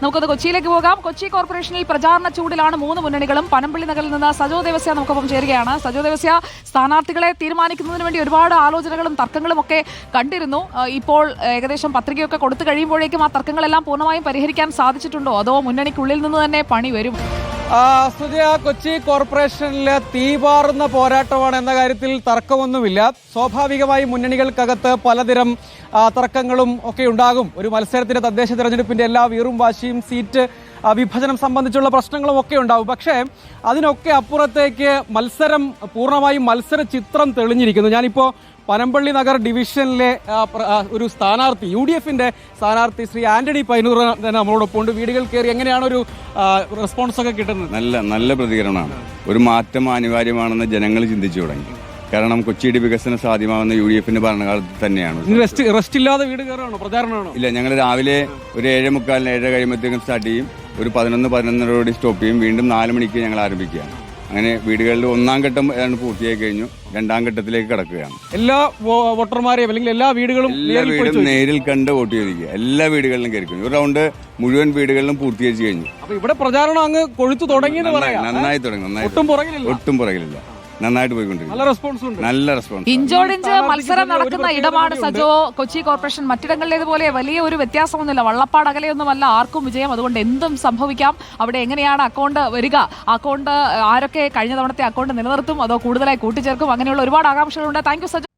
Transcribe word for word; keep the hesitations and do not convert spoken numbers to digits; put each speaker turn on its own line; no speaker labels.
നമുക്കത് കൊച്ചിയിലേക്ക് പോകാം. കൊച്ചി കോർപ്പറേഷനിൽ പ്രചാരണ ചൂടിലാണ് മൂന്ന് മുന്നണികളും. പനമ്പള്ളി നഗറിൽ നിന്ന് സജോ ദേവസ്യ നമുക്കൊപ്പം ചേരുകയാണ്. സജോ ദേവസ്യ, സ്ഥാനാർത്ഥികളെ തീരുമാനിക്കുന്നതിന് വേണ്ടി ഒരുപാട് ആലോചനകളും തർക്കങ്ങളും ഒക്കെ കണ്ടിരുന്നു. ഇപ്പോൾ ഏകദേശം പത്രികയൊക്കെ കൊടുത്തു കഴിയുമ്പോഴേക്കും ആ തർക്കങ്ങളെല്ലാം പൂർണ്ണമായും പരിഹരിക്കാൻ സാധിച്ചിട്ടുണ്ടോ, അതോ മുന്നണിക്കുള്ളിൽ നിന്ന് തന്നെ പണി വരും?
സുജയ, കൊച്ചി കോർപ്പറേഷനിലെ തീപാറുന്ന പോരാട്ടമാണ് എന്ന കാര്യത്തിൽ തർക്കമൊന്നുമില്ല. സ്വാഭാവികമായി മുന്നണികൾക്കകത്ത് പലതരം തർക്കങ്ങളും ഒക്കെ ഉണ്ടാകും. ഒരു മത്സരത്തിന്റെ തദ്ദേശ തെരഞ്ഞെടുപ്പിന്റെ എല്ലാ വീറും വാശിയും, സീറ്റ് വിഭജനം സംബന്ധിച്ചുള്ള പ്രശ്നങ്ങളും ഒക്കെ ഉണ്ടാവും. പക്ഷേ അതിനൊക്കെ അപ്പുറത്തേക്ക് മത്സരം പൂർണ്ണമായും മത്സര ചിത്രം തെളിഞ്ഞിരിക്കുന്നു. ഞാനിപ്പോൾ പനമ്പള്ളി നഗർ ഡിവിഷനിലെ ഒരു സ്ഥാനാർത്ഥി, യു ഡി എഫിന്റെ സ്ഥാനാർത്ഥി ശ്രീ ആന്റണി പൈനൂർ തന്നെ നമ്മളോടൊപ്പം ഉണ്ട്. വീടുകൾ കയറി എങ്ങനെയാണ് ഒരു റെസ്പോൺസ് ഒക്കെ കിട്ടുന്നത്?
നല്ല നല്ല പ്രതികരണമാണ്. ഒരു മാറ്റം അനിവാര്യമാണെന്ന് ജനങ്ങൾ ചിന്തിച്ചു തുടങ്ങി. കാരണം കൊച്ചിയുടെ വികസനം സാധ്യമാകുന്ന യു ഡി എഫിന്റെ ഭരണകാലത്ത് തന്നെയാണ്.
റെസ്റ്റ് ഇല്ലാതെ വീട് കയറാണോ, പ്രചാരണമാണോ?
ഇല്ല, ഞങ്ങൾ രാവിലെ ഒരു ഏഴ് മുക്കാലിന് ഏഴര കഴിയുമ്പോഴത്തേക്കും സ്റ്റാർട്ട് ചെയ്യും. ഒരു പതിനൊന്ന് പതിനൊന്നരയോടെ സ്റ്റോപ്പ് ചെയ്യും. വീണ്ടും നാല് മണിക്ക് ഞങ്ങൾ ആരംഭിക്കുകയാണ്. അങ്ങനെ വീടുകളിൽ ഒന്നാം ഘട്ടം പൂർത്തിയായി കഴിഞ്ഞു. രണ്ടാം ഘട്ടത്തിലേക്ക് കടക്കുകയാണ്.
എല്ലാ വോട്ടർമാരെയും അല്ലെങ്കിൽ എല്ലാ വീടുകളും
എല്ലാ വീടും നേരിൽ കണ്ട് വോട്ട് ചെയ്തിരിക്കുക. എല്ലാ വീടുകളിലും കയറി കഴിഞ്ഞു. ഒരു റൗണ്ട് മുഴുവൻ വീടുകളിലും പൂർത്തീകരിച്ചു കഴിഞ്ഞു.
അപ്പൊ ഇവിടെ പ്രചാരണം അങ്ങ് കൊഴുത്തു തുടങ്ങി.
നന്നായി തുടങ്ങി. നന്നായി ഒട്ടും പുറകിലില്ല. നന്നായിട്ട് പോയിക്കൊണ്ടിരിക്കും. നല്ല റെസ്പോൺസ്.
ഇഞ്ചോടിഞ്ച് മത്സരം നടക്കുന്ന ഇടമാണ് സജോ കൊച്ചി കോർപ്പറേഷൻ. മറ്റിടങ്ങളിലേതുപോലെ വലിയ ഒരു വ്യത്യാസമൊന്നുമില്ല. വള്ളപ്പാട് അകലെയൊന്നുമല്ല ആർക്കും വിജയം. അതുകൊണ്ട് എന്തും സംഭവിക്കാം. അവിടെ എങ്ങനെയാണ് അക്കൗണ്ട് വരിക, അക്കൗണ്ട് ആരൊക്കെ കഴിഞ്ഞ തവണത്തെ അക്കൗണ്ട് നിലനിർത്തും, അതോ കൂടുതലായി കൂട്ടിച്ചേർക്കും, അങ്ങനെയുള്ള ഒരുപാട് ആകാംക്ഷകളുണ്ട്. Thank you Sajo.